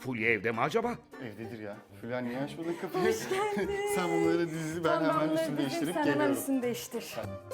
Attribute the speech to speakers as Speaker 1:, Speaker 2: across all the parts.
Speaker 1: Fulya evde mi acaba?
Speaker 2: Evdedir ya. Fulya niye açmadın kapıyı? Hoş geldin. Sen bunları dizi, ben hemen üstümü değiştirip
Speaker 3: Sen hemen
Speaker 2: geliyorum.
Speaker 3: üstünü değiştir.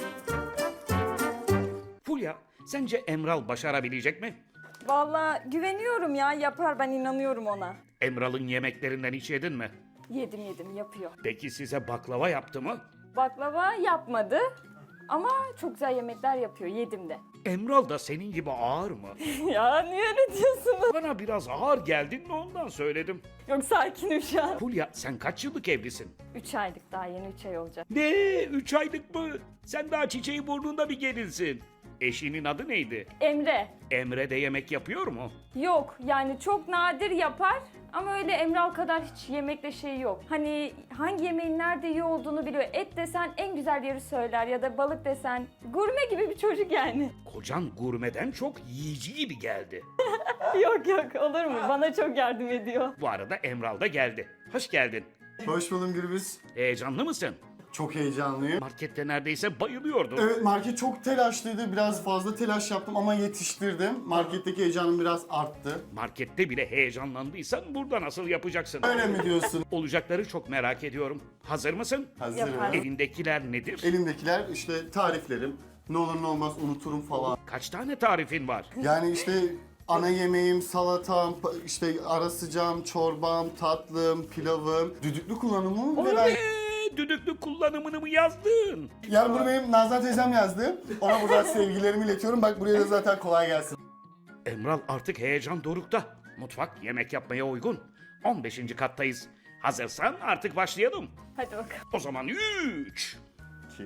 Speaker 1: Fulya, sence Emral başarabilecek mi?
Speaker 3: Vallahi güveniyorum ya, yapar, ben inanıyorum ona.
Speaker 1: Emral'ın yemeklerinden hiç yedin mi?
Speaker 3: Yedim yapıyor.
Speaker 1: Peki size baklava yaptı mı?
Speaker 3: Baklava yapmadı ama çok güzel yemekler yapıyor, yedim de.
Speaker 1: Emral da senin gibi ağır mı?
Speaker 3: Ya niye öyle diyorsunuz?
Speaker 1: Bana biraz ağır geldin mi ondan söyledim.
Speaker 3: Yok, sakinim şu an.
Speaker 1: Fulya, sen kaç yıllık evlisin?
Speaker 3: 3 aylık, daha yeni 3 ay olacak.
Speaker 1: Ne? 3 aylık mı? Sen daha çiçeği burnunda bir gelinsin. Eşinin adı neydi?
Speaker 3: Emre.
Speaker 1: Emre de yemek yapıyor mu?
Speaker 3: Yok yani çok nadir yapar ama öyle Emral kadar hiç yemekle şey yok. Hani hangi yemeğin nerede iyi olduğunu biliyor. Et desen en güzel yeri söyler ya da balık desen gurme gibi bir çocuk yani.
Speaker 1: Kocan gurmeden çok yiyici gibi geldi.
Speaker 3: Yok olur mu? Bana çok yardım ediyor.
Speaker 1: Bu arada Emral da geldi. Hoş geldin.
Speaker 2: Hoş buldum Gürbüz.
Speaker 1: Heyecanlı mısın?
Speaker 2: Çok heyecanlıyım.
Speaker 1: Markette neredeyse bayılıyordun.
Speaker 2: Evet, market çok telaşlıydı. Biraz fazla telaş yaptım ama yetiştirdim. Marketteki heyecanım biraz arttı.
Speaker 1: Markette bile heyecanlandıysan burada nasıl yapacaksın?
Speaker 2: Öyle mi diyorsun?
Speaker 1: Olacakları çok merak ediyorum. Hazır mısın?
Speaker 2: Hazırım.
Speaker 3: Yaparım.
Speaker 1: Elindekiler nedir?
Speaker 2: Elimdekiler işte tariflerim. Ne olur ne olmaz unuturum falan.
Speaker 1: Kaç tane tarifin var?
Speaker 2: Yani işte ana yemeğim, salatam, işte ara sıcağım, çorbam, tatlım, pilavım, düdüklü kullanımım ve ben...
Speaker 1: Düdüklü kullanımını mı yazdın?
Speaker 2: Yani bunu benim Nazan teyzem yazdı. Ona buradan sevgilerimi iletiyorum. Bak buraya da zaten kolay gelsin.
Speaker 1: Emral artık heyecan dorukta. Mutfak yemek yapmaya uygun. 15. kattayız. Hazırsan artık başlayalım.
Speaker 3: Hadi bakalım.
Speaker 1: O zaman 3.
Speaker 2: 2.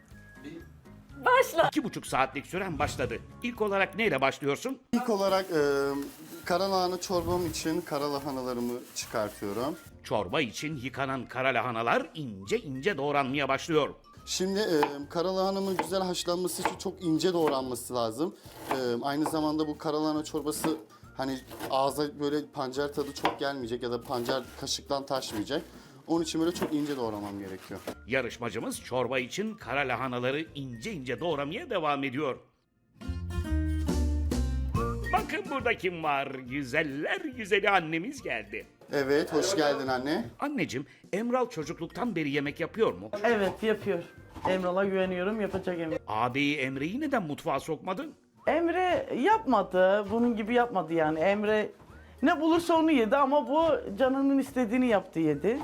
Speaker 3: Başla.
Speaker 1: 2,5 saatlik süren başladı. İlk olarak neyle başlıyorsun?
Speaker 2: İlk olarak karalahana çorbam için karalahanalarımı çıkartıyorum.
Speaker 1: Çorba için yıkanan kara lahanalar ince ince doğranmaya başlıyor.
Speaker 2: Şimdi karalahanamın güzel haşlanması için çok ince doğranması lazım. Aynı zamanda bu karalahana çorbası hani ağza böyle pancar tadı çok gelmeyecek ya da pancar kaşıktan taşmayacak. Onun için böyle çok ince doğramam gerekiyor.
Speaker 1: Yarışmacımız çorba için kara lahanaları ince ince doğramaya devam ediyor. Bakın burada kim var? Güzeller güzeli annemiz geldi.
Speaker 2: Evet, hoş geldin anne.
Speaker 1: Anneciğim, Emral çocukluktan beri yemek yapıyor mu?
Speaker 4: Evet yapıyor. Emral'a güveniyorum, yapacak Emre.
Speaker 1: Ağabeyi Emre'yi neden mutfağa sokmadın?
Speaker 4: Emre yapmadı, bunun gibi yapmadı yani. Emre ne bulursa onu yedi ama bu canının istediğini yaptı yedi.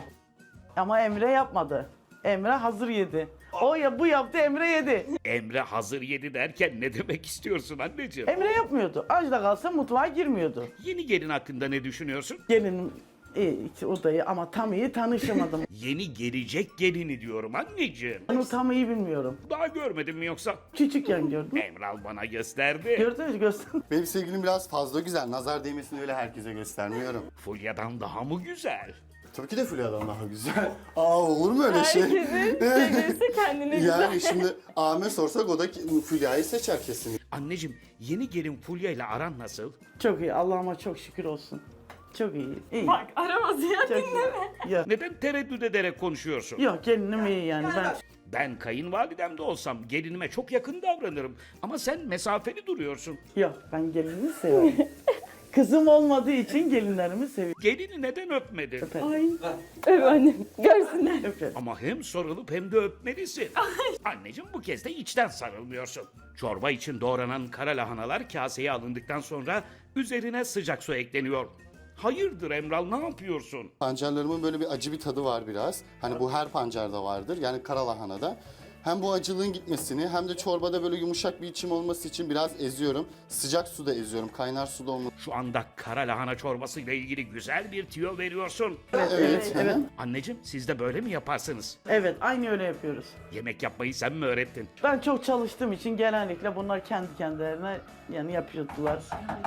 Speaker 4: Ama Emre yapmadı. Emre hazır yedi. O ya bu yaptı, Emre yedi.
Speaker 1: Emre hazır yedi derken ne demek istiyorsun anneciğim?
Speaker 4: Emre yapmıyordu. Aç da kalsa mutfağa girmiyordu.
Speaker 1: Yeni gelin hakkında ne düşünüyorsun?
Speaker 4: Gelinim iyi, odayı ama tam iyi tanışamadım.
Speaker 1: Yeni gelecek gelini diyorum anneciğim.
Speaker 4: Onu tam iyi bilmiyorum.
Speaker 1: Daha görmedin mi yoksa?
Speaker 4: Küçükken gördüm.
Speaker 1: Emral bana gösterdi.
Speaker 4: Gördünüz mü? Göster.
Speaker 2: Benim sevgilim biraz fazla güzel. Nazar değmesini öyle herkese göstermiyorum.
Speaker 1: Fulya'dan daha mı güzel?
Speaker 2: Tabii ki de Fulya'dan daha güzel. Aa olur mu öyle şey?
Speaker 3: Herkesin sevgilisi kendine güzel.
Speaker 2: Yani şimdi Ahmet sorsak o da Fulya'yı seçer kesin.
Speaker 1: Anneciğim, yeni gelin Fulya ile aran nasıl?
Speaker 4: Çok iyi. Allah'ıma çok şükür olsun. Çok iyi. İyi.
Speaker 3: Bak aramaz ya,
Speaker 4: Çok iyi.
Speaker 3: dinleme.
Speaker 4: Yok.
Speaker 1: Neden tereddüt ederek konuşuyorsun?
Speaker 4: Yok gelinim iyi yani.
Speaker 1: Ben kayınvalidem de olsam gelinime çok yakın davranırım. Ama sen mesafeli duruyorsun.
Speaker 4: Yok ben gelinimi seviyorum. Kızım olmadığı için gelinlerimi seviyorum.
Speaker 1: Gelini neden öpmedin?
Speaker 3: Ay. Öp annem. Görsünler.
Speaker 4: Öperim.
Speaker 1: Ama hem sarılıp hem de öpmelisin. Anneciğim bu kez de içten sarılmıyorsun. Çorba için doğranan kara lahanalar kaseye alındıktan sonra üzerine sıcak su ekleniyor. Hayırdır Emral, ne yapıyorsun?
Speaker 2: Pancarlarımın böyle bir acı bir tadı var biraz. Hani bu her pancarda vardır. Yani karalahanada. Hem bu acılığın gitmesini hem de çorbada böyle yumuşak bir içim olması için biraz eziyorum. Sıcak suda eziyorum. Kaynar suda olması.
Speaker 1: Şu anda kara lahana çorbası ile ilgili güzel bir tüyo veriyorsun.
Speaker 2: Evet.
Speaker 4: Evet.
Speaker 1: Anneciğim siz de böyle mi yaparsınız?
Speaker 4: Evet aynı öyle yapıyoruz.
Speaker 1: Yemek yapmayı sen mi öğrettin?
Speaker 4: Ben çok çalıştığım için genellikle bunlar kendi kendilerine yani yapıyordular.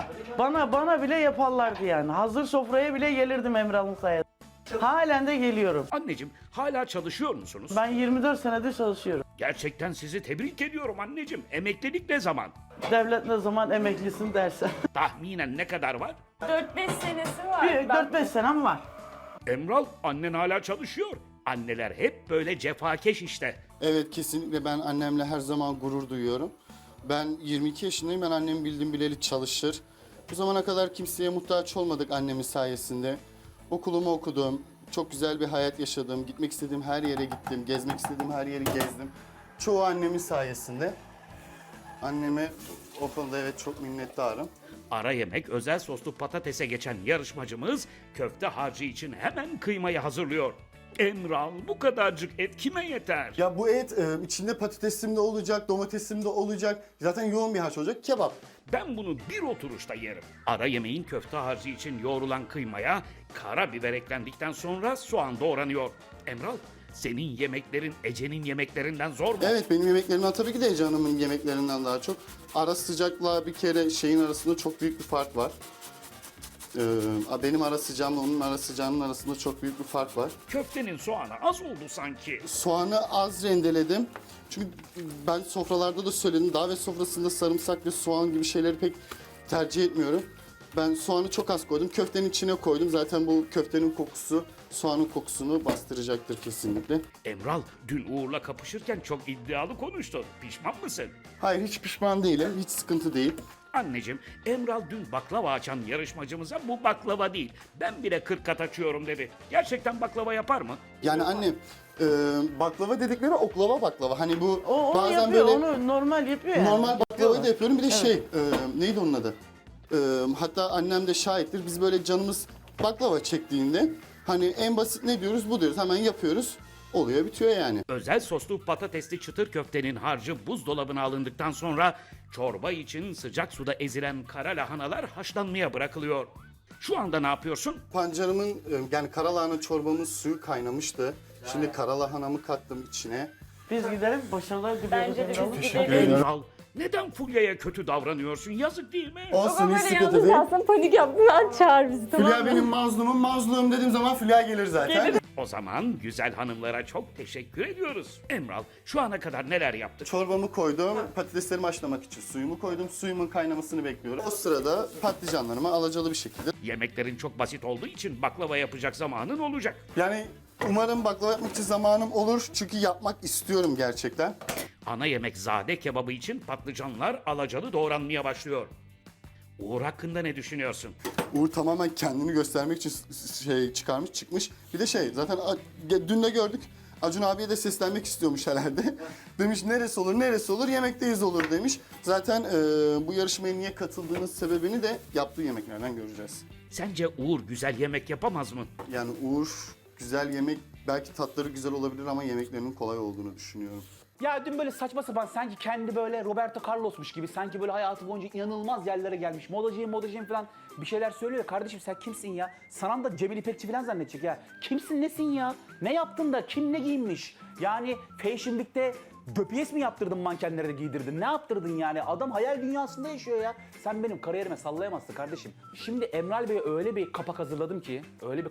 Speaker 4: Bana bile yaparlardı yani. Hazır sofraya bile gelirdim Emrah'ın sayesinde. Halen de geliyorum.
Speaker 1: Anneciğim hala çalışıyor musunuz?
Speaker 4: Ben 24 senedir çalışıyorum.
Speaker 1: Gerçekten sizi tebrik ediyorum anneciğim. Emeklilik ne zaman?
Speaker 4: Devlet ne zaman emeklisin derse.
Speaker 1: Tahminen ne kadar var?
Speaker 3: 4-5 senesi var.
Speaker 4: Bir 4-5 senem var.
Speaker 1: Emral, annen hala çalışıyor. Anneler hep böyle cefakeş işte.
Speaker 2: Evet kesinlikle ben annemle her zaman gurur duyuyorum. Ben 22 yaşındayım. Ben annem bildim bileli çalışır. Bu zamana kadar kimseye muhtaç olmadık annemin sayesinde. Okulumu okudum, çok güzel bir hayat yaşadım. Gitmek istediğim her yere gittim, gezmek istediğim her yeri gezdim. Çoğu annemin sayesinde. Anneme o konuda evet çok minnettarım.
Speaker 1: Ara yemek özel soslu patatese geçen yarışmacımız köfte harcı için hemen kıymayı hazırlıyor. Emral, bu kadarcık et kime yeter?
Speaker 2: Ya bu et içinde patatesim de olacak, domatesim de olacak. Zaten yoğun bir harç olacak. Kebap.
Speaker 1: Ben bunu bir oturuşta yerim. Ara yemeğin köfte harcı için yoğrulan kıymaya karabiber eklendikten sonra soğan doğranıyor. Emral, senin yemeklerin Ece'nin yemeklerinden zor mu?
Speaker 2: Evet, benim yemeklerimden tabii ki de Ece Hanım'ın yemeklerinden daha çok. Ara sıcakla bir kere şeyin arasında çok büyük bir fark var. Benim ara sıcağımla onun ara sıcağının arasında çok büyük bir fark var.
Speaker 1: Köftenin soğanı az oldu sanki.
Speaker 2: Soğanı az rendeledim. Çünkü ben sofralarda da söyledim. Davet sofrasında sarımsak ve soğan gibi şeyleri pek tercih etmiyorum. Ben soğanı çok az koydum. Köftenin içine koydum. Zaten bu köftenin kokusu soğanın kokusunu bastıracaktır kesinlikle.
Speaker 1: Emral, dün Uğur'la kapışırken çok iddialı konuştun. Pişman mısın?
Speaker 2: Hayır, hiç pişman değilim. Hiç sıkıntı değil.
Speaker 1: Anneciğim, Emral dün baklava açan yarışmacımıza bu baklava değil, ben bile 40 kat açıyorum dedi. Gerçekten baklava yapar mı?
Speaker 2: Yani annem baklava dedikleri oklava baklava. Hani bu
Speaker 4: O
Speaker 2: bazen
Speaker 4: yapıyor,
Speaker 2: böyle
Speaker 4: onu normal yapıyor yani.
Speaker 2: normal baklavayı da
Speaker 4: Yapıyorlar.
Speaker 2: yapıyorum. Bir de neydi onun adı? Hatta annem de şahittir. Biz böyle canımız baklava çektiğinde hani en basit ne diyoruz bu diyoruz. Hemen yapıyoruz. Oluyor bitiyor yani.
Speaker 1: Özel soslu patatesli çıtır köftenin harcı buzdolabına alındıktan sonra çorba için sıcak suda ezilen kara lahanalar haşlanmaya bırakılıyor. Şu anda ne yapıyorsun?
Speaker 2: Pancarımın yani karalahana çorbamın suyu kaynamıştı. Şimdi karalahanamı kattım içine.
Speaker 4: Biz gidelim, başarılar diliyoruz.
Speaker 3: Bence de
Speaker 4: Emrah.
Speaker 3: biz gidelim.
Speaker 1: Emral, neden Fulya'ya kötü davranıyorsun? Yazık değil mi?
Speaker 2: Olsun,
Speaker 3: Ama
Speaker 2: hiç
Speaker 3: böyle
Speaker 2: sıkıntı
Speaker 3: yalnız
Speaker 2: değil.
Speaker 3: kalsın panik yapma çağır bizi, tamam
Speaker 2: Fulya
Speaker 3: mı?
Speaker 2: benim mazlumum, mazlum dediğim zaman Fulya gelir zaten.
Speaker 1: O zaman güzel hanımlara çok teşekkür ediyoruz. Emral, şu ana kadar neler yaptık?
Speaker 2: Çorbamı koydum, patateslerimi haşlamak için suyumu koydum. Suyumun kaynamasını bekliyorum. O sırada patlıcanlarımı alacalı bir şekilde.
Speaker 1: Yemeklerin çok basit olduğu için baklava yapacak zamanın olacak.
Speaker 2: Yani umarım baklava yapmak için zamanım olur. Çünkü yapmak istiyorum gerçekten.
Speaker 1: Ana yemek zade kebabı için patlıcanlar alacalı doğranmaya başlıyor. Uğur hakkında ne düşünüyorsun?
Speaker 2: Uğur tamamen kendini göstermek için çıkarmış çıkmış. Bir de zaten dün de gördük. Acun abiye de seslenmek istiyormuş herhalde. Demiş neresi olur neresi olur yemekteyiz olur demiş. Zaten bu yarışmaya niye katıldığınız sebebini de yaptığı yemeklerden göreceğiz.
Speaker 1: Sence Uğur güzel yemek yapamaz mı?
Speaker 2: Yani Uğur güzel yemek belki tatları güzel olabilir ama yemeklerinin kolay olduğunu düşünüyorum.
Speaker 5: Ya dün böyle saçma sapan sanki kendi böyle Roberto Carlos'muş gibi sanki böyle hayatı boyunca inanılmaz yerlere gelmiş. Modacıyım falan bir şeyler söylüyor. Kardeşim sen kimsin ya? Sanam da Cemil İpekçi falan zannedecek ya. Kimsin nesin ya? Ne yaptın da kim ne giyinmiş? Yani Fashion Week'te döpiyes mi yaptırdın mankenlere de giydirdin? Ne yaptırdın yani? Adam hayal dünyasında yaşıyor ya. Sen benim kariyerime sallayamazsın kardeşim. Şimdi Emral Bey'e öyle bir kapak hazırladım ki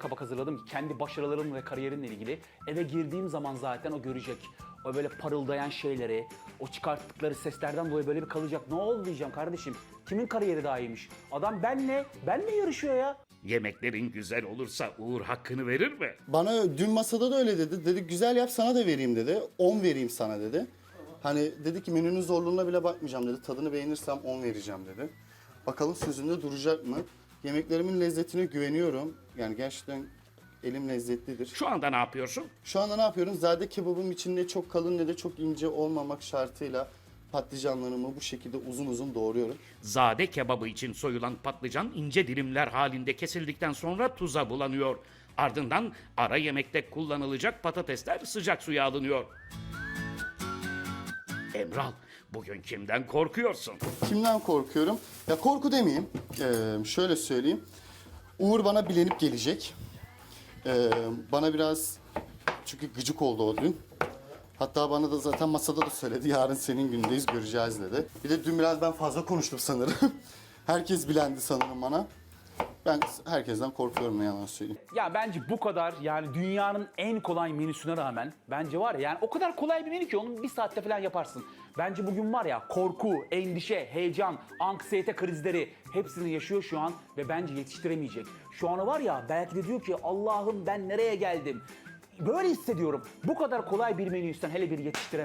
Speaker 5: kendi başarılarım ve kariyerimle ilgili eve girdiğim zaman zaten o görecek. O böyle parıldayan şeyleri, o çıkarttıkları seslerden dolayı böyle bir kalacak. Ne oldu diyeceğim kardeşim. Kimin kariyeri daha iyiymiş? Adam benle yarışıyor ya.
Speaker 1: Yemeklerin güzel olursa Uğur hakkını verir mi?
Speaker 2: Bana dün masada da öyle dedi. Dedi güzel yap sana da vereyim dedi. 10 vereyim sana dedi. Hani dedi ki menünün zorluğuna bile bakmayacağım dedi. Tadını beğenirsem 10 vereceğim dedi. Bakalım sözünde duracak mı? Yemeklerimin lezzetine güveniyorum. Yani gerçekten elim lezzetlidir.
Speaker 1: Şu anda ne yapıyorsun?
Speaker 2: Şu anda ne yapıyorum? Zade kebabım içinde çok kalın ne de çok ince olmamak şartıyla patlıcanlarımı bu şekilde uzun uzun doğruyorum.
Speaker 1: Zade kebabı için soyulan patlıcan ince dilimler halinde kesildikten sonra tuza bulanıyor. Ardından ara yemekte kullanılacak patatesler sıcak suya alınıyor. Emral, bugün kimden korkuyorsun?
Speaker 2: Kimden korkuyorum? Ya korku demeyeyim. Şöyle söyleyeyim. Uğur bana bilenip gelecek. Bana biraz çünkü gıcık oldu o dün. Hatta bana da zaten masada da söyledi. Yarın senin günündeyiz göreceğiz dedi. Bir de dün biraz ben fazla konuştum sanırım. Herkes bilendi sanırım bana. Ben herkesten korkuyorum ne yalan söyleyeyim.
Speaker 5: Ya bence bu kadar yani dünyanın en kolay menüsüne rağmen bence var ya yani o kadar kolay bir menü ki onu bir saatte falan yaparsın. Bence bugün var ya korku, endişe, heyecan, anksiyete krizleri hepsini yaşıyor şu an ve bence yetiştiremeyecek. Şu an var ya belki de diyor ki Allah'ım ben nereye geldim? Böyle hissediyorum. Bu kadar kolay bir menüysen hele bir yetiştireme.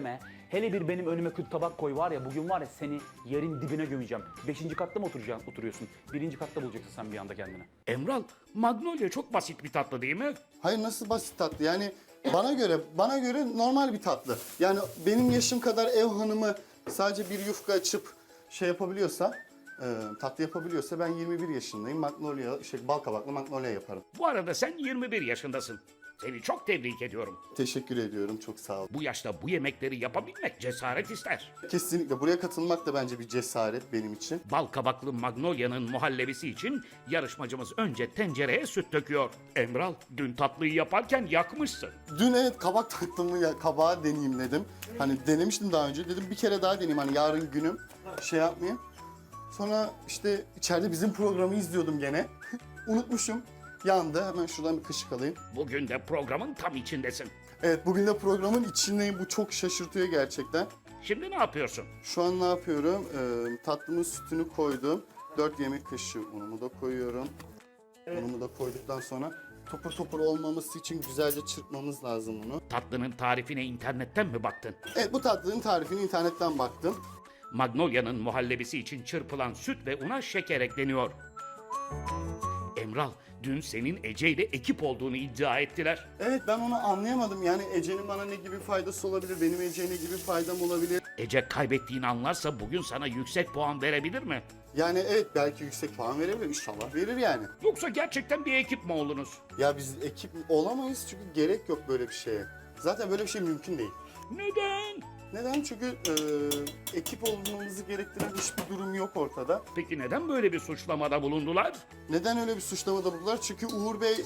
Speaker 5: Hele bir benim önüme kötü tabak koy var ya, bugün var ya seni yerin dibine gömeceğim. 5. katta mı oturuyorsun? 1. katta bulacaksın sen bir anda kendini.
Speaker 1: Emral, Magnolia çok basit bir tatlı değil mi?
Speaker 2: Hayır, nasıl basit tatlı? Yani bana göre normal bir tatlı. Yani benim yaşım kadar ev hanımı sadece bir yufka açıp şey yapabiliyorsa, tatlı yapabiliyorsa ben 21 yaşındayım. Magnolia, bal kabaklı Magnolia yaparım.
Speaker 1: Bu arada sen 21 yaşındasın. Seni çok tebrik ediyorum.
Speaker 2: Teşekkür ediyorum, çok sağ ol.
Speaker 1: Bu yaşta bu yemekleri yapabilmek cesaret ister.
Speaker 2: Kesinlikle buraya katılmak da bence bir cesaret benim için.
Speaker 1: Bal kabaklı Magnolia'nın muhallebisi için yarışmacımız önce tencereye süt döküyor. Emral, dün tatlıyı yaparken yakmışsın.
Speaker 2: Dün evet kabak tatlımı kabağı deneyeyim dedim. Hani denemiştim daha önce. Dedim bir kere daha deneyeyim, hani yarın günüm şey yapmayayım. Sonra işte içeride bizim programı izliyordum gene. Unutmuşum. Yandı. Hemen şuradan bir kaşık alayım.
Speaker 1: Bugün de programın tam içindesin.
Speaker 2: Evet, bugün de programın içindeyim. Bu çok şaşırtıyor gerçekten.
Speaker 1: Şimdi ne yapıyorsun?
Speaker 2: Şu an ne yapıyorum? Tatlımın sütünü koydum. 4 yemek kaşığı unumu da koyuyorum. Unumu da koyduktan sonra topur topur olmaması için güzelce çırpmamız lazım bunu.
Speaker 1: Tatlının tarifine internetten mi baktın?
Speaker 2: Evet, bu tatlının tarifini internetten baktım.
Speaker 1: Magnolia'nın muhallebisi için çırpılan süt ve una şeker ekleniyor. Emral, dün senin Ece ile ekip olduğunu iddia ettiler.
Speaker 2: Evet, ben onu anlayamadım. Yani Ece'nin bana ne gibi faydası olabilir? Benim Ece'ye ne gibi faydam olabilir?
Speaker 1: Ece kaybettiğini anlarsa bugün sana yüksek puan verebilir mi?
Speaker 2: Yani evet, belki yüksek puan verebilir. İnşallah verir yani.
Speaker 1: Yoksa gerçekten bir ekip mi oldunuz?
Speaker 2: Ya biz ekip olamayız çünkü gerek yok böyle bir şeye. Zaten böyle bir şey mümkün değil.
Speaker 1: Neden?
Speaker 2: Neden? Çünkü ekip olmamızı gerektiren hiçbir durum yok ortada.
Speaker 1: Peki neden böyle bir suçlamada bulundular?
Speaker 2: Neden öyle bir suçlamada bulundular? Çünkü Uğur Bey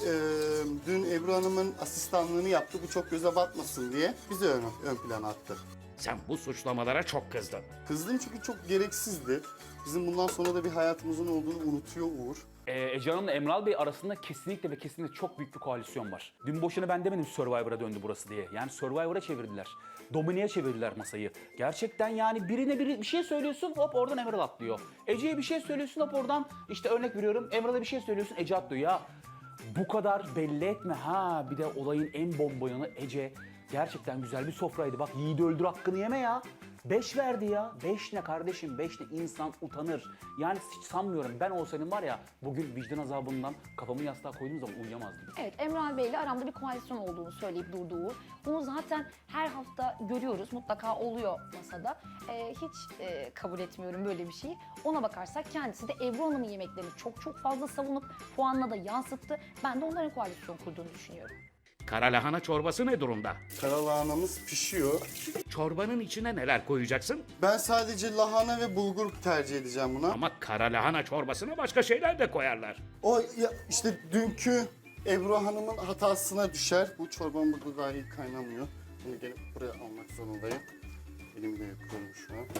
Speaker 2: dün Ebru Hanım'ın asistanlığını yaptı. Bu çok göze batmasın diye bizi ön plana attı.
Speaker 1: Sen bu suçlamalara çok kızdın.
Speaker 2: Kızdım çünkü çok gereksizdi. Bizim bundan sonra da bir hayatımızın olduğunu unutuyor Uğur.
Speaker 5: Ece Hanım'la Emral Bey arasında kesinlikle ve kesinlikle çok büyük bir koalisyon var. Dün boşuna ben demedim Survivor'a döndü burası diye. Yani Survivor'a çevirdiler. Domine'ye çevirdiler masayı. Gerçekten yani birine bir şey söylüyorsun, hop oradan Emral atlıyor. Ece'ye bir şey söylüyorsun, hop oradan işte örnek veriyorum Emral'a bir şey söylüyorsun, Ece atlıyor. Ya bu kadar belli etme ha. Bir de olayın en bomba yanı Ece. Gerçekten güzel bir sofraydı. Bak yiğidi öldür hakkını yeme ya. 5 verdi ya. 5 ne kardeşim? 5 ne, insan utanır. Yani hiç sanmıyorum. Ben olsaydım var ya bugün vicdan azabından kafamı yastığa koyduğum zaman uyuyamazdım.
Speaker 6: Evet, Emrah Bey ile aramda bir koalisyon olduğunu söyleyip durduğu. Bunu zaten her hafta görüyoruz. Mutlaka oluyor masada. Hiç kabul etmiyorum böyle bir şeyi. Ona bakarsak kendisi de Ebru Hanım'ın yemeklerini çok fazla savunup puanla da yansıttı. Ben de onların koalisyon kurduğunu düşünüyorum.
Speaker 1: Kara lahana çorbası ne durumda?
Speaker 2: Karalahanamız pişiyor.
Speaker 1: Çorbanın içine neler koyacaksın?
Speaker 2: Ben sadece lahana ve bulgur tercih edeceğim buna.
Speaker 1: Ama kara lahana çorbasına başka şeyler de koyarlar.
Speaker 2: O ya, işte dünkü Ebru Hanım'ın hatasına düşer. Bu çorbam burada daha iyi kaynamıyor. Bunu gelip buraya almak zorundayım. Elimle yapıyorum şu an.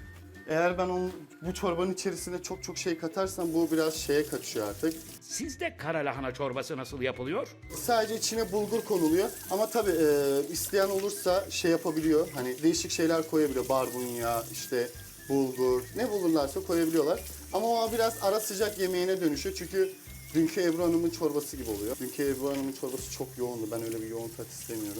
Speaker 2: Eğer ben bu çorbanın içerisine çok şey katarsam bu biraz şeye kaçıyor artık.
Speaker 1: Sizde kara lahana çorbası nasıl yapılıyor?
Speaker 2: Sadece içine bulgur konuluyor ama tabii isteyen olursa şey yapabiliyor. Hani değişik şeyler koyabiliyor. Barbunya, işte bulgur, ne bulurlarsa koyabiliyorlar. Ama o biraz ara sıcak yemeğine dönüşüyor çünkü dünkü Ebru Hanım'ın çorbası gibi oluyor. Dünkü Ebru Hanım'ın çorbası çok yoğundu. Ben öyle bir yoğun tat istemiyorum.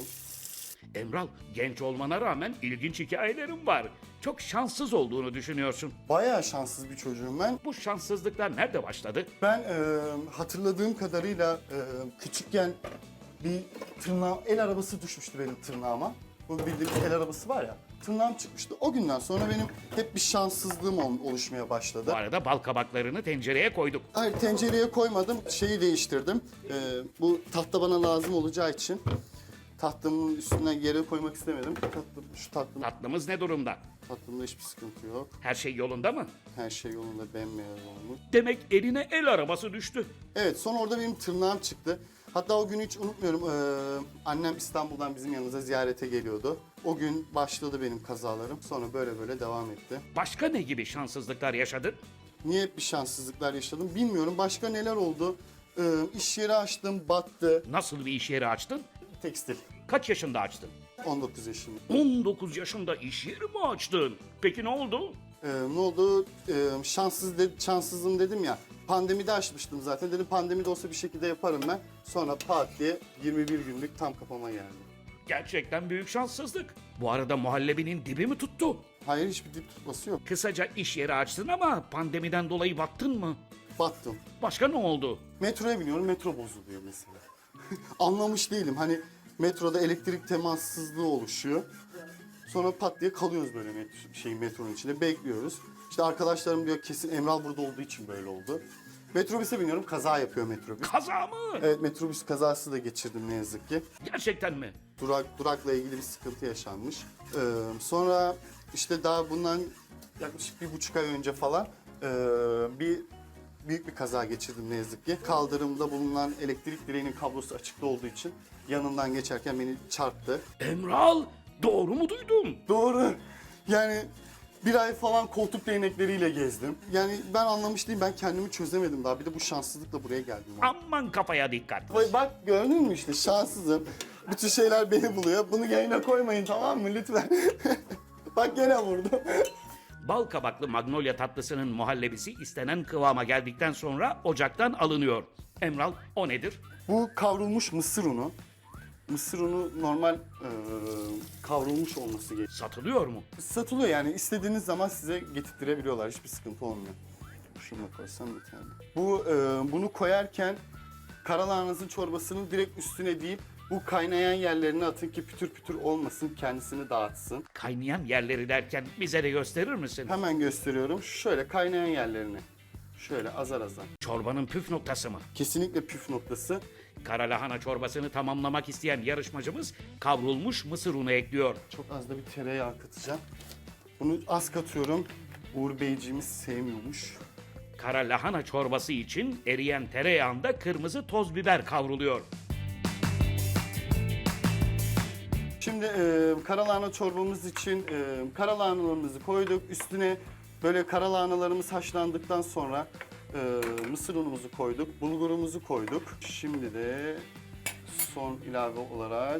Speaker 1: Emral, genç olmana rağmen ilginç hikayelerin var. Çok şanssız olduğunu düşünüyorsun.
Speaker 2: Bayağı şanssız bir çocuğum ben.
Speaker 1: Bu şanssızlıklar nerede başladı?
Speaker 2: Ben hatırladığım kadarıyla küçükken bir el arabası düşmüştü benim tırnağıma. Bu bildiğimiz el arabası var ya. Tırnağım çıkmıştı. O günden sonra benim hep bir şanssızlığım oluşmaya başladı.
Speaker 1: Bu arada bal kabaklarını tencereye koyduk.
Speaker 2: Hayır, tencereye koymadım. Şeyi değiştirdim. Bu tahta bana lazım olacağı için tahtımın üstüne yere koymak istemedim.
Speaker 1: Tatlımız ne durumda?
Speaker 2: Tatlımda hiçbir sıkıntı yok.
Speaker 1: Her şey yolunda mı?
Speaker 2: Her şey yolunda, bembeyaz olmuş.
Speaker 1: Demek eline el arabası düştü.
Speaker 2: Evet, sonra orada benim tırnağım çıktı. Hatta o günü hiç unutmuyorum. Annem İstanbul'dan bizim yanımıza ziyarete geliyordu. O gün başladı benim kazalarım. Sonra böyle devam etti.
Speaker 1: Başka ne gibi şanssızlıklar yaşadın?
Speaker 2: Niye hep bir şanssızlıklar yaşadım bilmiyorum. Başka neler oldu? İş yeri açtım, battı.
Speaker 1: Nasıl bir iş yeri açtın?
Speaker 2: Tekstil.
Speaker 1: Kaç yaşında açtın?
Speaker 2: 19 yaşında.
Speaker 1: 19 yaşında iş yeri mi açtın? Peki ne oldu?
Speaker 2: Ne oldu? Şanssızım dedim ya. Pandemide açmıştım zaten. Dedim pandemide olsa bir şekilde yaparım ben. Sonra pat diye 21 günlük tam kapama geldi.
Speaker 1: Gerçekten büyük şanssızlık. Bu arada muhallebinin dibi mi tuttu?
Speaker 2: Hayır, hiçbir dip tutması yok.
Speaker 1: Kısaca iş yeri açtın ama pandemiden dolayı battın mı?
Speaker 2: Battım.
Speaker 1: Başka ne oldu?
Speaker 2: Metroya biniyorum, metro bozuluyor mesela. Anlamış değilim. Hani metroda elektrik temassızlığı oluşuyor. Sonra pat diye kalıyoruz böyle metronun içinde. Bekliyoruz. İşte arkadaşlarım diyor kesin Emral burada olduğu için böyle oldu. Metrobüse biniyorum, kaza yapıyor metrobüs.
Speaker 1: Kaza mı?
Speaker 2: Evet, metrobüs kazası da geçirdim ne yazık ki.
Speaker 1: Gerçekten mi?
Speaker 2: Durakla ilgili bir sıkıntı yaşanmış. Sonra işte daha bundan yaklaşık 1,5 ay önce falan büyük bir kaza geçirdim ne yazık ki. Kaldırımda bulunan elektrik direğinin kablosu açıkta olduğu için yanından geçerken beni çarptı.
Speaker 1: Emral, doğru mu duydum?
Speaker 2: Doğru. Yani bir ay falan koltuk değnekleriyle gezdim. Yani ben anlamış değilim, ben kendimi çözemedim daha. Bir de bu şanssızlıkla buraya geldim.
Speaker 1: Aman kafaya dikkat.
Speaker 2: Bak gördün mü işte, şanssızım. Bütün şeyler beni buluyor. Bunu yayına koymayın, tamam mı lütfen? Bak gene vurdu.
Speaker 1: Bal kabaklı magnolia tatlısının muhallebisi istenen kıvama geldikten sonra ocaktan alınıyor. Emral, o nedir?
Speaker 2: Bu kavrulmuş mısır unu. Mısır unu normal kavrulmuş olması gerekiyor.
Speaker 1: Satılıyor mu?
Speaker 2: Satılıyor yani, istediğiniz zaman size getirtirebiliyorlar. Hiçbir sıkıntı olmuyor. Şunu da koysam yeterli. Bunu koyarken karalahananızın çorbasını direkt üstüne deyip bu kaynayan yerlerine atın ki pütür pütür olmasın, kendisini dağıtsın.
Speaker 1: Kaynayan yerleri derken bize de gösterir misin?
Speaker 2: Hemen gösteriyorum. Şöyle kaynayan yerlerini. Şöyle azar azar.
Speaker 1: Çorbanın püf noktası mı?
Speaker 2: Kesinlikle püf noktası.
Speaker 1: Kara lahana çorbasını tamamlamak isteyen yarışmacımız kavrulmuş mısır unu ekliyor.
Speaker 2: Çok az da bir tereyağı katacağım. Bunu az katıyorum. Uğur Beyciğimiz sevmiyormuş.
Speaker 1: Kara lahana çorbası için eriyen tereyağında kırmızı toz biber kavruluyor.
Speaker 2: Şimdi karalahana çorbamız için karalahanalarımızı koyduk. Üstüne böyle karalahanalarımız haşlandıktan sonra mısır unumuzu koyduk, bulgurumuzu koyduk. Şimdi de son ilave olarak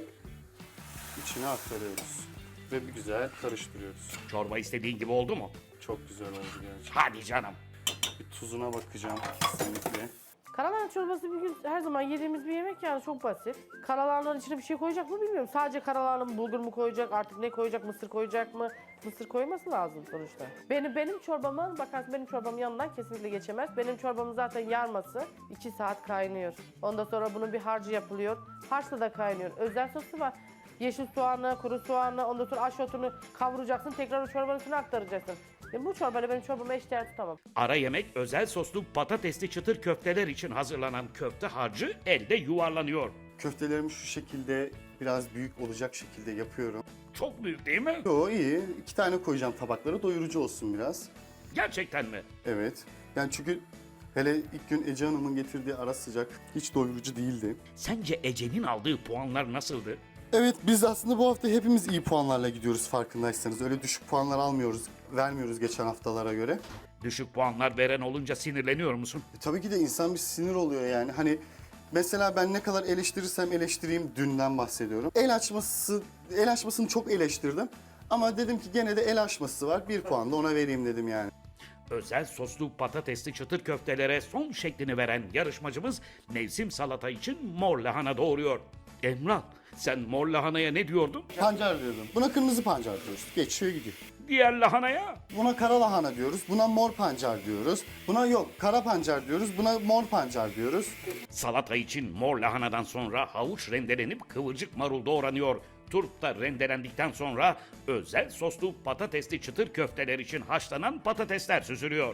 Speaker 2: içine aktarıyoruz ve bir güzel karıştırıyoruz.
Speaker 1: Çorba istediğin gibi oldu mu?
Speaker 2: Çok güzel oldu gerçekten.
Speaker 1: Hadi canım.
Speaker 2: Bir tuzuna bakacağım kesinlikle.
Speaker 7: Karalahana çorbası bir gün her zaman yediğimiz bir yemek yani, çok basit. Karalahananın içine bir şey koyacak mı bilmiyorum. Sadece karalahana mı, bulgur mu koyacak, artık ne koyacak, mısır koyacak mı? Mısır koyması lazım sonuçta. Benim çorbama bakarsın, benim çorbamın yanından kesinlikle geçemez. Benim çorbamın zaten yarması 2 saat kaynıyor. Ondan sonra bunun bir harcı yapılıyor. Harçla da kaynıyor. Özel sosu var. Yeşil soğanı, kuru soğanı, ondan sonra aşotunu kavuracaksın, tekrar o çorbanın üstüne aktaracaksın. Bu çorbayla benim çorbamı eşdeğer tutamam.
Speaker 1: Ara yemek özel soslu patatesli çıtır köfteler için hazırlanan köfte harcı elde yuvarlanıyor.
Speaker 2: Köftelerimi şu şekilde biraz büyük olacak şekilde yapıyorum.
Speaker 1: Çok büyük değil mi?
Speaker 2: Yo, iyi. 2 tane koyacağım tabaklara, doyurucu olsun biraz.
Speaker 1: Gerçekten mi?
Speaker 2: Evet. Yani çünkü hele ilk gün Ece Hanım'ın getirdiği ara sıcak hiç doyurucu değildi.
Speaker 1: Sence Ece'nin aldığı puanlar nasıldı?
Speaker 2: Evet, biz aslında bu hafta hepimiz iyi puanlarla gidiyoruz farkındaysanız. Öyle düşük puanlar vermiyoruz geçen haftalara göre.
Speaker 1: Düşük puanlar veren olunca sinirleniyor musun?
Speaker 2: Tabii ki de insan bir sinir oluyor yani. Hani mesela ben ne kadar eleştirirsem eleştireyim, dünden bahsediyorum. El açmasını çok eleştirdim. Ama dedim ki gene de el açması var. 1 puan da ona vereyim dedim yani.
Speaker 1: Özel soslu patatesli çıtır köftelere son şeklini veren yarışmacımız mevsim salata için mor lahana doğuruyor. Emrah, sen mor lahanaya ne diyordun?
Speaker 2: Pancar diyordum. Buna kırmızı pancar diyoruz. Geçiyor gidiyor.
Speaker 1: Diğer lahanaya?
Speaker 2: Buna kara lahana diyoruz. Buna mor pancar diyoruz. Buna yok kara pancar diyoruz. Buna mor pancar diyoruz.
Speaker 1: Salata için mor lahanadan sonra havuç rendelenip kıvırcık marul doğranıyor. Turp da rendelendikten sonra özel soslu patatesli çıtır köfteler için haşlanan patatesler süzülüyor.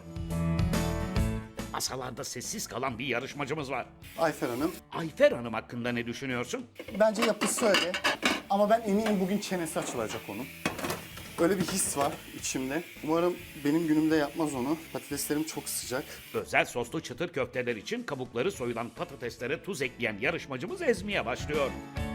Speaker 1: Masalarda sessiz kalan bir yarışmacımız var.
Speaker 2: Ayfer Hanım.
Speaker 1: Ayfer Hanım hakkında ne düşünüyorsun?
Speaker 2: Bence yapısı öyle. Ama ben eminim bugün çenesi açılacak onun. Öyle bir his var içimde. Umarım benim günümde yapmaz onu. Patateslerim çok sıcak.
Speaker 1: Özel soslu çıtır köfteler için kabukları soyulan patateslere tuz ekleyen yarışmacımız ezmeye başlıyor.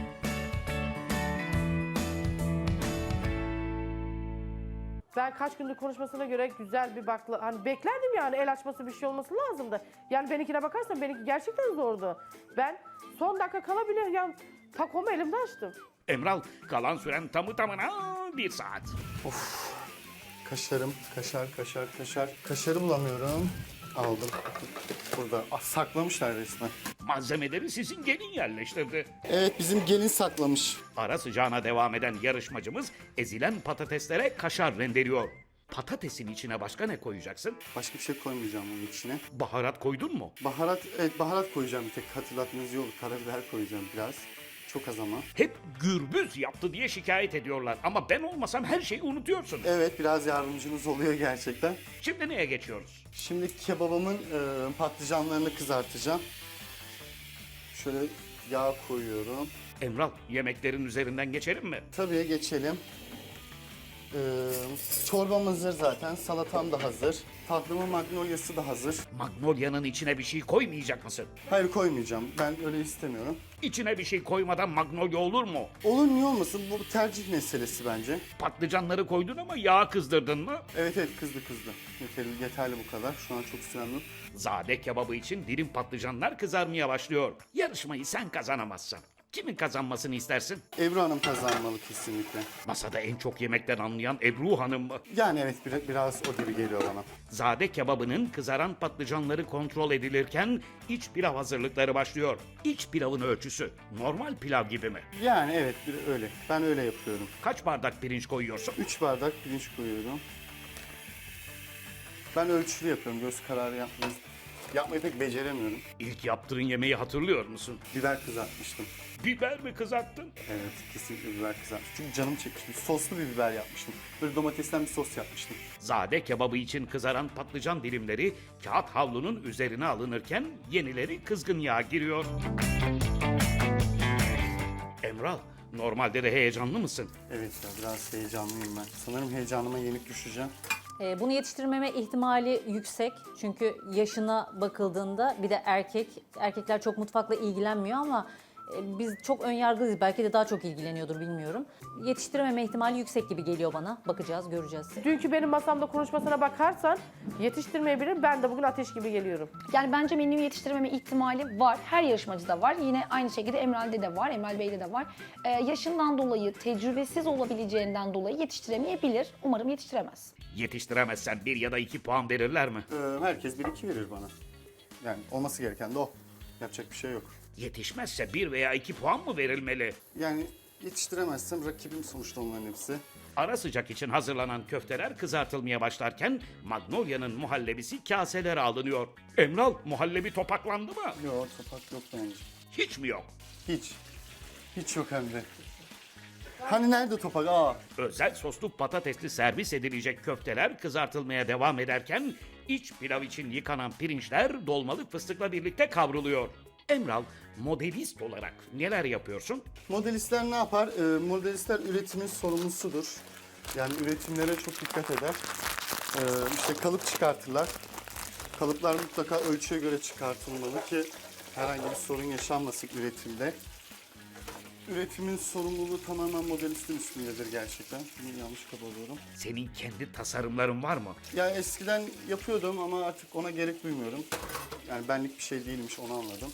Speaker 7: Ben kaç gündür konuşmasına göre güzel bir hani beklerdim yani, el açması bir şey olması lazımdı. Yani benimkine bakarsan benimki gerçekten zordu. Ben son dakika kalabilir yani takomu elimde açtım.
Speaker 1: Emral, kalan süren tamı tamına 1 saat.
Speaker 2: Kaşarım, kaşar. Kaşarı bulamıyorum. aldım. Burada saklamışlar resmen.
Speaker 1: Malzemeleri sizin gelin yerleştirdi.
Speaker 2: Evet, bizim gelin saklamış.
Speaker 1: Ara sıcağına devam eden yarışmacımız ezilen patateslere kaşar rendeliyor. Patatesin içine başka ne koyacaksın?
Speaker 2: Başka bir şey koymayacağım bunun içine.
Speaker 1: Baharat koydun mu?
Speaker 2: Baharat, evet baharat koyacağım bir tek. Hatırlatmanız iyi olur. Karabiber koyacağım biraz. Çok az ama.
Speaker 1: Hep gürbüz yaptı diye şikayet ediyorlar ama ben olmasam her şeyi unutuyorsun.
Speaker 2: Evet, biraz yardımcınız oluyor gerçekten.
Speaker 1: Şimdi neye geçiyoruz?
Speaker 2: Şimdi kebabımın patlıcanlarını kızartacağım. Şöyle yağ koyuyorum.
Speaker 1: Emral, yemeklerin üzerinden geçelim mi?
Speaker 2: Tabii geçelim. Çorbam hazır zaten. Salatam da hazır. Tatlımın magnolia'sı da hazır.
Speaker 1: Magnolia'nın içine bir şey koymayacak mısın?
Speaker 2: Hayır, koymayacağım. Ben öyle istemiyorum.
Speaker 1: İçine bir şey koymadan magnolia olur mu?
Speaker 2: Olur, niye olmasın? Bu tercih meselesi bence.
Speaker 1: Patlıcanları koydun ama yağ kızdırdın mı?
Speaker 2: Evet kızdı. Yeterli bu kadar. Şu an çok sürendim.
Speaker 1: Zade kebabı için dilim patlıcanlar kızarmaya başlıyor. Yarışmayı sen kazanamazsan kimin kazanmasını istersin?
Speaker 2: Ebru Hanım kazanmalı kesinlikle.
Speaker 1: Masada en çok yemekten anlayan Ebru Hanım mı?
Speaker 2: Yani evet, biraz o gibi geliyor bana.
Speaker 1: Zade kebabının kızaran patlıcanları kontrol edilirken iç pilav hazırlıkları başlıyor. İç pilavın ölçüsü normal pilav gibi mi?
Speaker 2: Yani evet, öyle. Ben öyle yapıyorum.
Speaker 1: Kaç bardak pirinç koyuyorsun?
Speaker 2: 3 bardak pirinç koyuyorum. Ben ölçülü yapıyorum. Göz kararı yapmayı pek beceremiyorum.
Speaker 1: İlk yaptığın yemeği hatırlıyor musun?
Speaker 2: Biber kızartmıştım.
Speaker 1: Biber mi kızarttın?
Speaker 2: Evet, kesinlikle biber kızartmıştım. Çünkü canım çekmiştim. Soslu bir biber yapmıştım. Böyle domatesten bir sos yapmıştım.
Speaker 1: Zade kebabı için kızaran patlıcan dilimleri kağıt havlunun üzerine alınırken yenileri kızgın yağa giriyor. Emral, normalde de heyecanlı mısın?
Speaker 2: Evet ya, biraz heyecanlıyım ben. Sanırım heyecanıma yenik düşeceğim.
Speaker 8: Bunu yetiştirmeme ihtimali yüksek. Çünkü yaşına bakıldığında bir de erkekler çok mutfakla ilgilenmiyor ama biz çok önyargılıyız. Belki de daha çok ilgileniyordur bilmiyorum. Yetiştirememe ihtimali yüksek gibi geliyor bana. Bakacağız, göreceğiz.
Speaker 7: Dünkü benim masamda konuşmasına bakarsan yetiştirmeyebilir. Ben de bugün ateş gibi geliyorum.
Speaker 6: Yani bence menüyü yetiştirmeme ihtimali var. Her yarışmacıda var. Yine aynı şekilde Emral'de de var, Emral Bey'de de var. Yaşından dolayı, tecrübesiz olabileceğinden dolayı yetiştiremeyebilir. Umarım yetiştiremez.
Speaker 1: Yetiştiremezsen 1 ya da 2 puan verirler mi?
Speaker 2: Herkes 1-2 verir bana. Yani olması gereken de o. Yapacak bir şey yok.
Speaker 1: Yetişmezse 1 veya 2 puan mı verilmeli?
Speaker 2: Yani yetiştiremezsem rakibim sonuçta onların hepsi.
Speaker 1: Ara sıcak için hazırlanan köfteler kızartılmaya başlarken Magnolia'nın muhallebisi kaselere alınıyor. Emral, muhallebi topaklandı mı?
Speaker 2: Yok, topak yok bence.
Speaker 1: Hiç mi yok?
Speaker 2: Hiç. Hiç yok hem de. Hani nerede topak? Aa.
Speaker 1: Özel soslu patatesli servis edilecek köfteler kızartılmaya devam ederken iç pilav için yıkanan pirinçler dolmalık fıstıkla birlikte kavruluyor. Emral, modelist olarak neler yapıyorsun?
Speaker 2: Modelistler ne yapar? Modelistler üretimin sorumlusudur. Yani üretimlere çok dikkat eder. İşte kalıp çıkartırlar. Kalıplar mutlaka ölçüye göre çıkartılmalı ki herhangi bir sorun yaşanmasın üretimde. Üretimin sorumluluğu tamamen modelistin üstündedir gerçekten. Bunu yanlış kabul ediyorum.
Speaker 1: Senin kendi tasarımların var mı?
Speaker 2: Yani eskiden yapıyordum ama artık ona gerek duymuyorum. Yani benlik bir şey değilmiş, onu anladım.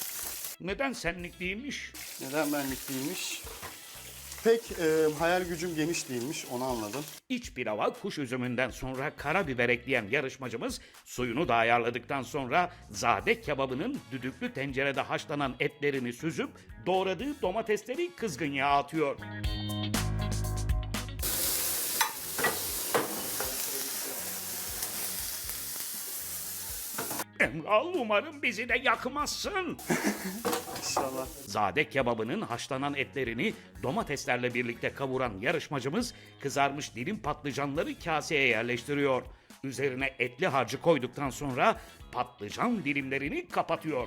Speaker 1: Neden senlik değilmiş?
Speaker 2: Neden benlik değilmiş? Pek hayal gücüm geniş değilmiş, onu anladım.
Speaker 1: İç pilava kuş üzümünden sonra karabiber ekleyen yarışmacımız suyunu da ayarladıktan sonra zade kebabının düdüklü tencerede haşlanan etlerini süzüp doğradığı domatesleri kızgın yağa atıyor. Emral, umarım bizi de yakmazsın.
Speaker 2: İnşallah.
Speaker 1: Zade kebabının haşlanan etlerini domateslerle birlikte kavuran yarışmacımız kızarmış dilim patlıcanları kaseye yerleştiriyor. Üzerine etli harcı koyduktan sonra patlıcan dilimlerini kapatıyor.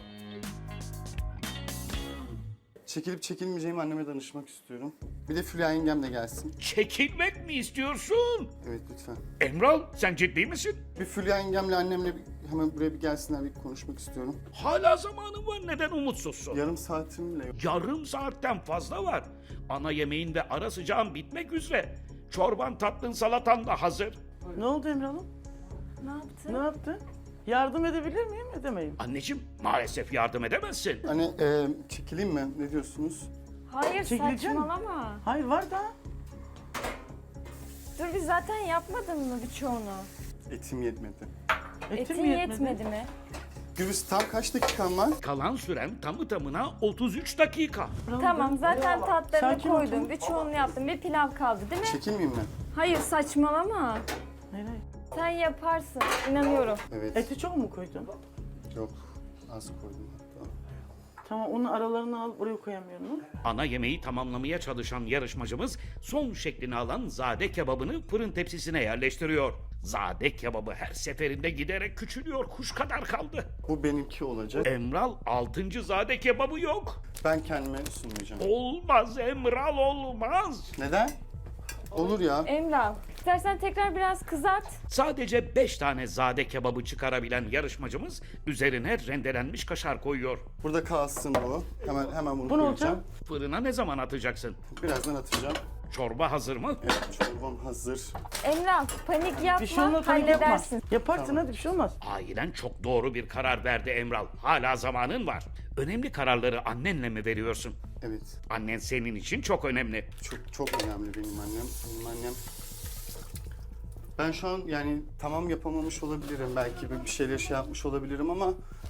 Speaker 2: Çekilip çekilmeyeceğimi anneme danışmak istiyorum. Bir de Fulya yengem de gelsin.
Speaker 1: Çekilmek mi istiyorsun?
Speaker 2: Evet lütfen.
Speaker 1: Emral, sen ciddi misin?
Speaker 2: Bir Fulya yengemle annemle hemen buraya bir gelsinler, bir konuşmak istiyorum.
Speaker 1: Hala zamanın var, neden umutsuzsun?
Speaker 2: Yarım saatim bile yok.
Speaker 1: Yarım saatten fazla var. Ana yemeğin ve ara sıcağın bitmek üzere. Çorban, tatlın, salatan da hazır.
Speaker 4: Ne oldu Emre Hanım?
Speaker 3: Ne yaptın?
Speaker 4: Ne yaptın? Yardım edebilir miyim, edemeyim?
Speaker 1: Anneciğim, maalesef yardım edemezsin.
Speaker 2: Hani çekileyim mi? Ne diyorsunuz?
Speaker 3: Hayır,
Speaker 4: Çekileceğim.
Speaker 3: saçmalama.
Speaker 4: Hayır, var da.
Speaker 3: Dur, biz zaten yapmadın mı birçoğunu?
Speaker 2: Etim yetmedi.
Speaker 4: Etim
Speaker 3: Etin yetmedi mi?
Speaker 2: Gürbüz tam kaç dakikan var?
Speaker 1: Kalan süren tamı tamına 33 dakika.
Speaker 3: Tamam zaten tatlarını
Speaker 4: Sakin ol
Speaker 3: koydum.
Speaker 4: canım.
Speaker 3: Birçoğunu yaptım. Bir pilav kaldı değil mi?
Speaker 2: Çekilmeyeyim mi?
Speaker 3: Hayır saçmalama.
Speaker 4: Hayır, hayır.
Speaker 3: Sen yaparsın. İnanıyorum.
Speaker 2: Evet.
Speaker 4: Eti çok mu koydun?
Speaker 2: Yok. Az koydum hatta.
Speaker 4: Tamam, onun aralarını al, buraya koyamıyorum. Mu?
Speaker 1: Ana yemeği tamamlamaya çalışan yarışmacımız son şeklini alan zade kebabını fırın tepsisine yerleştiriyor. Zade kebabı her seferinde giderek küçülüyor, kuş kadar kaldı.
Speaker 2: Bu benimki olacak.
Speaker 1: Emral 6. zade kebabı yok.
Speaker 2: Ben kendime sunmayacağım.
Speaker 1: Olmaz Emral, olmaz.
Speaker 2: Neden? Olur ya.
Speaker 3: Emrah, istersen tekrar biraz kızart.
Speaker 1: Sadece 5 tane zade kebabı çıkarabilen yarışmacımız üzerine rendelenmiş kaşar koyuyor.
Speaker 2: Burada kalsın bu. Hemen bunu
Speaker 4: Bu ne
Speaker 2: koyacağım.
Speaker 4: olacak?
Speaker 1: Fırına ne zaman atacaksın?
Speaker 2: Birazdan atacağım.
Speaker 1: Çorba hazır mı?
Speaker 2: Evet, çorbam hazır.
Speaker 3: Emrah, panik yapma,
Speaker 4: Bir şey olmaz, panik yapma.
Speaker 3: halledersin.
Speaker 4: Yaparsın, hadi bir şey olmaz.
Speaker 1: Ailen çok doğru bir karar verdi Emral. Hala zamanın var. Önemli kararları annenle mi veriyorsun?
Speaker 2: Evet.
Speaker 1: Annen senin için çok önemli.
Speaker 2: Çok önemli benim annem. Benim annem. Ben şu an yani tamam yapamamış olabilirim. Belki bir şeyler şey yapmış olabilirim ama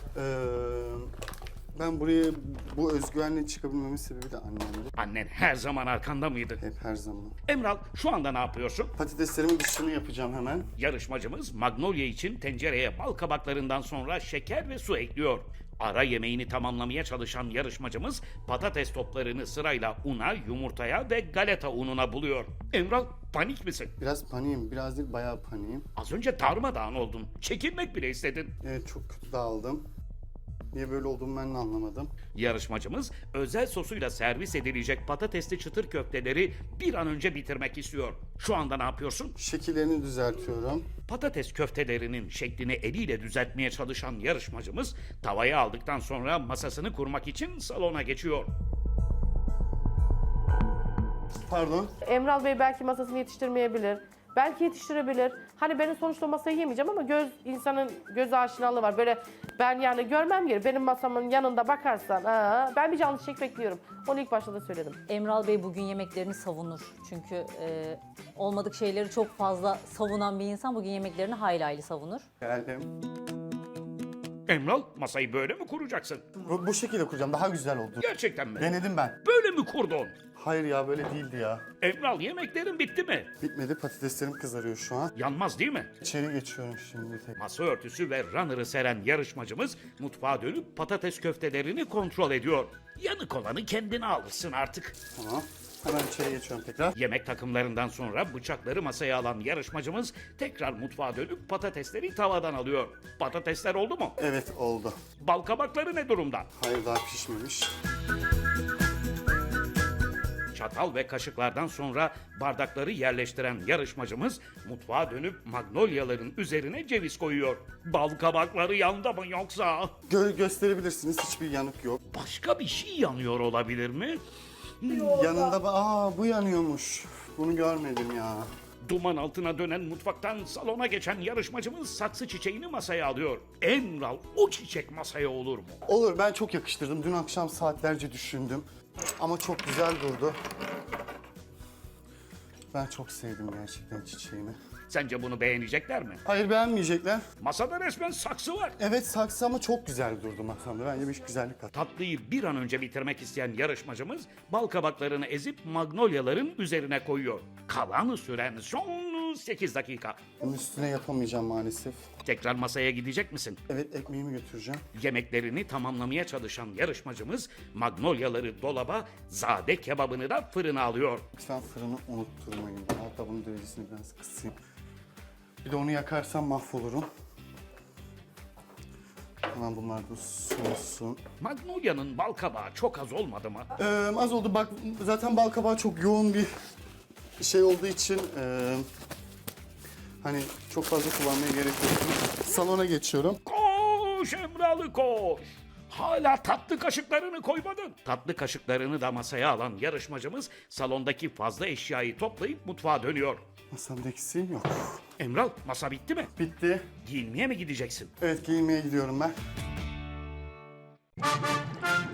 Speaker 2: ben buraya bu özgüvenle çıkabilmemin sebebi de annemdi.
Speaker 1: Annen her zaman arkanda mıydı?
Speaker 2: Hep her zaman.
Speaker 1: Emral şu anda ne yapıyorsun?
Speaker 2: Patateslerimin dışını yapacağım hemen.
Speaker 1: Yarışmacımız Magnolia için tencereye bal kabaklarından sonra şeker ve su ekliyor. Ara yemeğini tamamlamaya çalışan yarışmacımız patates toplarını sırayla una, yumurtaya ve galeta ununa buluyor. Emral panik misin?
Speaker 2: Biraz paniğim, biraz değil bayağı paniğim.
Speaker 1: Az önce darmadağın oldun. Çekilmek bile istedin.
Speaker 2: Evet, çok kötü dağıldım. Niye böyle olduğumu ben de anlamadım.
Speaker 1: Yarışmacımız özel sosuyla servis edilecek patatesli çıtır köfteleri bir an önce bitirmek istiyor. Şu anda ne yapıyorsun?
Speaker 2: Şekillerini düzeltiyorum.
Speaker 1: Patates köftelerinin şeklini eliyle düzeltmeye çalışan yarışmacımız tavayı aldıktan sonra masasını kurmak için salona geçiyor.
Speaker 2: Pardon.
Speaker 7: Emral Bey belki masasını yetiştirmeyebilir. Belki yetiştirebilir. Hani benim sonuçta masayı yemeyeceğim ama insanın göz aşinalığı var. Böyle ben yani görmem gerekiyor. Benim masamın yanında bakarsan ben bir canlı çek bekliyorum. Onu ilk başta da söyledim.
Speaker 8: Emral Bey bugün yemeklerini savunur. Çünkü olmadık şeyleri çok fazla savunan bir insan bugün yemeklerini hayli hayli savunur.
Speaker 2: Geldim.
Speaker 1: Emral masayı böyle mi kuracaksın?
Speaker 2: Bu şekilde kuracağım. Daha güzel oldu.
Speaker 1: Gerçekten mi?
Speaker 2: Denedim ben.
Speaker 1: Böyle mi kurdun?
Speaker 2: Hayır ya, böyle değildi ya.
Speaker 1: Emral yemeklerin bitti mi?
Speaker 2: Bitmedi, patateslerim kızarıyor şu an.
Speaker 1: Yanmaz değil mi?
Speaker 2: İçeri geçiyorum şimdi tek.
Speaker 1: Masa örtüsü ve runner'ı seren yarışmacımız mutfağa dönüp patates köftelerini kontrol ediyor. Yanık olanı kendine alırsın artık.
Speaker 2: Tamam. Hemen içeri geçiyorum tekrar.
Speaker 1: Yemek takımlarından sonra bıçakları masaya alan yarışmacımız tekrar mutfağa dönüp patatesleri tavadan alıyor. Patatesler oldu mu?
Speaker 2: Evet, oldu.
Speaker 1: Bal kabakları ne durumda?
Speaker 2: Hayır, daha pişmemiş.
Speaker 1: Çatal ve kaşıklardan sonra bardakları yerleştiren yarışmacımız mutfağa dönüp magnolyaların üzerine ceviz koyuyor. Bal kabakları yandı mı yoksa?
Speaker 2: Gösterebilirsiniz, hiçbir yanık yok.
Speaker 1: Başka bir şey yanıyor olabilir mi?
Speaker 2: Yanında bu yanıyormuş. Bunu görmedim ya.
Speaker 1: Duman altına dönen mutfaktan salona geçen yarışmacımız saksı çiçeğini masaya alıyor. Emral, o çiçek masaya olur mu?
Speaker 2: Olur, ben çok yakıştırdım. Dün akşam saatlerce düşündüm. Ama çok güzel durdu. Ben çok sevdim gerçekten çiçeğimi.
Speaker 1: Sence bunu beğenecekler mi?
Speaker 2: Hayır, beğenmeyecekler.
Speaker 1: Masada resmen saksı var.
Speaker 2: Evet, saksı ama çok güzel durdu masamda. Bence bir güzellik kat.
Speaker 1: Tatlıyı bir an önce bitirmek isteyen yarışmacımız bal kabaklarını ezip magnolyaların üzerine koyuyor. Kalan süren son 8 dakika.
Speaker 2: Bunun üstüne yapamayacağım maalesef.
Speaker 1: Tekrar masaya gidecek misin?
Speaker 2: Evet, ekmeğimi götüreceğim.
Speaker 1: Yemeklerini tamamlamaya çalışan yarışmacımız magnolyaları dolaba, zade kebabını da fırına alıyor.
Speaker 2: Lütfen fırını unutturmayın. Hatta bunun derecesini biraz kısayım. Bir de onu yakarsam mahvolurum. Hemen bunlar da soğusun.
Speaker 1: Magnolia'nın bal kabağı çok az olmadı mı?
Speaker 2: Az oldu. Bak, zaten bal kabağı çok yoğun bir şey olduğu için hani çok fazla kullanmaya gerek yok. Salona geçiyorum.
Speaker 1: Koş Emralı koş! Hala tatlı kaşıklarını koymadın. Tatlı kaşıklarını da masaya alan yarışmacımız salondaki fazla eşyayı toplayıp mutfağa dönüyor.
Speaker 2: Masamda eksiğim yok.
Speaker 1: Emral, masa bitti mi?
Speaker 2: Bitti.
Speaker 1: Giyinmeye mi gideceksin?
Speaker 2: Evet, giyinmeye gidiyorum ben.